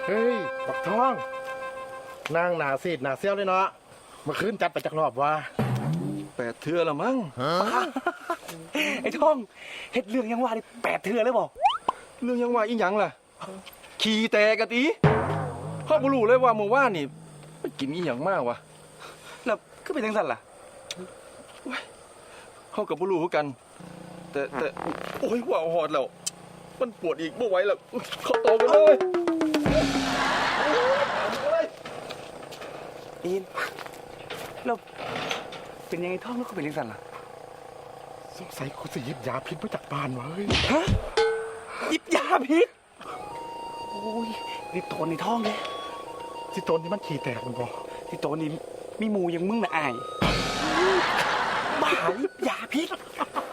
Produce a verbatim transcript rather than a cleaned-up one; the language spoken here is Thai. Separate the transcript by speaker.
Speaker 1: เฮ้ยบักทองนางหนาซีดหนาเซี่ยวเลยเนาะเมื่อคืนจัดไปจากรอบว่า
Speaker 2: แปดเทือละมั้ง
Speaker 3: ไอ้ท่องเฮ็ดเรื่องยังว่าได้แปดเทื่อเลยบอก
Speaker 2: เรื่องยังว่าอีหยังล่ะขี่แตกะตีพ่อบ่รู้เลยว่าเมื่อวานนี่มันกินอีหยังมากวะ
Speaker 3: แล้วก็เป็นจังซั่นล่ะ
Speaker 2: เฮากับบ่รู้คือกันแต่แต่โอ้ยว่าหอดแล้วมันปวดอีกบ่ไหวแล้วเข้าโตกันเลย
Speaker 3: อินแล้วเป็นยังไงท่องแล้วก็เป็นจังซั่นล่ะ
Speaker 1: สงสัยคุณสิหยิบยาพิษมาจากบ้านวะเฮ้ย
Speaker 3: ฮะหยิบยาพิษโอ้ยนี่โตนในท้องเลย
Speaker 1: ที่ตนที่มันขี่แตกมันบอก
Speaker 3: ที่โตนนี่มีหมูยังมึงน่ะอายบ้าหยิบยาพิษ